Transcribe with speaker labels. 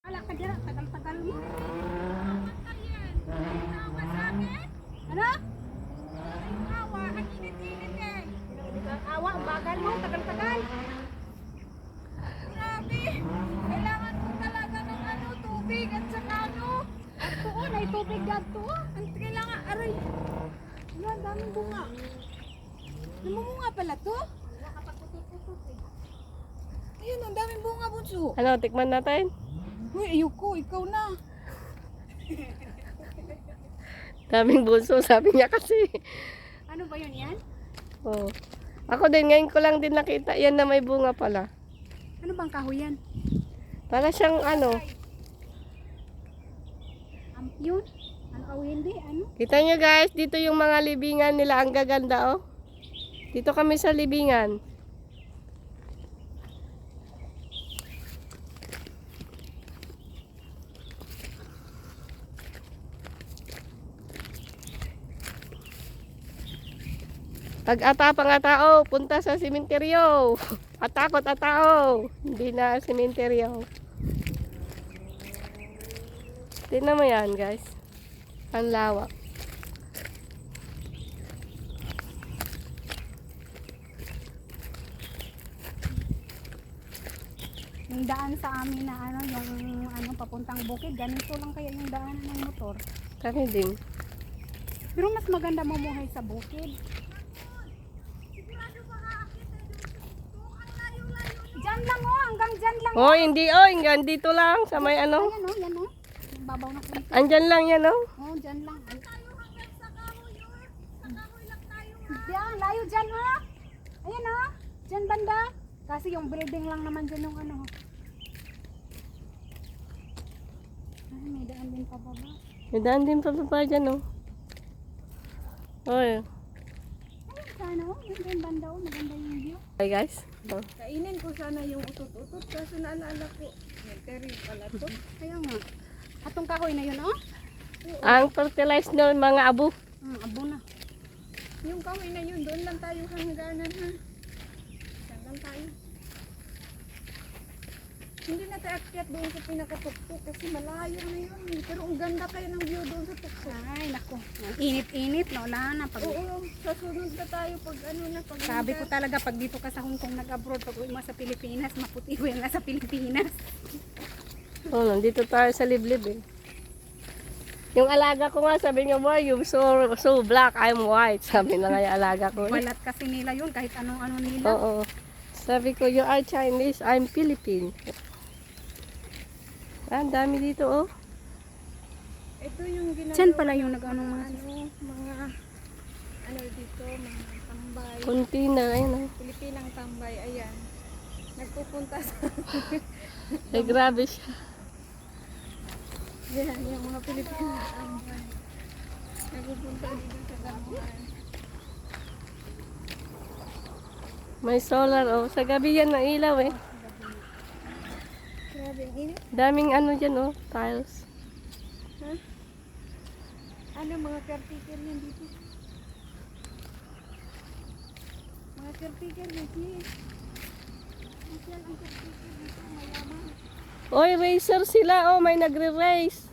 Speaker 1: Wala ka dyan, tagal-tagal mo. Ano? Awa, ang init-init eh. Awa, ang bagal mo, tagal-tagal. Grabe, kailangan ko talaga ng ano, tubig at saka ano. At tuon, ay tubig dito. Ang kailangan, aray. Ano, ang daming bunga. Namumunga pala to? Ayun, ang daming bunga, bunso.
Speaker 2: Ano, tikman natin?
Speaker 1: Uy, ayoko, ikaw na.
Speaker 2: Daming bunso, sabi niya kasi.
Speaker 1: Ano ba yun yan?
Speaker 2: Oh. Ako din, ngayon ko lang din nakita yan na may bunga pala.
Speaker 1: Ano bang kahoy yan?
Speaker 2: Para siyang ano.
Speaker 1: Yun? Ano kahoy hindi? Ano?
Speaker 2: Kita nyo guys, dito yung mga libingan nila. Ang gaganda oh. Dito kami sa libingan. Pag-ata pang tao, punta sa sementeryo. Atakot at tao. Hindi na sementeryo. Tingnan mo yan guys. Ang lawak.
Speaker 1: Yung daan sa amin na ano, yung ano, papuntang bukid, ganito lang kaya yung daan ng motor.
Speaker 2: Kami din.
Speaker 1: Pero mas maganda mamuhay sa bukid. Diyan lang oh, hanggang diyan lang.
Speaker 2: Oh, hindi oh. Hanggang dito lang. Sa may ano.
Speaker 1: Ayan oh, yan oh. Yung babaw na kunti.
Speaker 2: Andyan lang yan oh.
Speaker 1: Oh, diyan lang. Diyan, layo diyan oh. Ayan oh. Diyan banda. Kasi yung building lang naman dyan yung ano. Ay, may daan din pa baba.
Speaker 2: May daan din pa pa dyan oh. Oy.
Speaker 1: Ayun sana oh, yung banda oh, maganda yung view.
Speaker 2: Hi guys. Oh.
Speaker 3: Kainin ko sana yung utot-utot kasi naalala ko. Cemetery pala to.
Speaker 1: Kaya nga. Atong kahoy na yun oh.
Speaker 2: Ang fertilize ng mga abo.
Speaker 1: Abo na.
Speaker 3: Yung kahoy na yun, doon lang tayo hangganan ha. Saan lang tayo. Hindi na tayo akyat doon sa pinakatuktok kasi malayo na yun. Pero ang ganda kayo ng view doon sa tuktok.
Speaker 1: Ay, nako. Init-init, no? Wala na. Pag,
Speaker 3: Oo, sasunod na tayo pag ano na. Pag
Speaker 1: sabi ko talaga, pag dito ka sa Hong Kong nag-abroad, pag uwi mo sa Pilipinas, maputi ko yan nga sa Pilipinas.
Speaker 2: Oh, nandito tayo sa liblib eh. Yung alaga ko nga, sabi niya, why you so black, I'm white. Sabi na nga yung alaga ko.
Speaker 1: Balat kasi nila yun, kahit anong-ano nila.
Speaker 2: Oo. Sabi ko, you are Chinese, I'm Philippine. Ah, ang dami dito oh.
Speaker 3: ito yung ginagawa.
Speaker 1: Diyan pala yung nag-anong mga
Speaker 3: ano dito, mga tambay.
Speaker 2: Kunti na, ayun oh.
Speaker 3: Pilipinang tambay, ayan. Nagpupunta sa
Speaker 2: Ay, grabe siya.
Speaker 3: yan, yung mga Pilipinang tambay. Nagpupunta dito sa damuhan.
Speaker 2: May solar oh. Sa gabi yan ang ilaw eh.
Speaker 3: Grabe, ang init.
Speaker 2: Daming ano dyan oh, tiles.
Speaker 3: Ha? Ano mga caretaker yan dito? Mga caretaker dito. Yan ang caretaker dito, mayaman.
Speaker 2: Oy, racer sila oh, may nagre-race.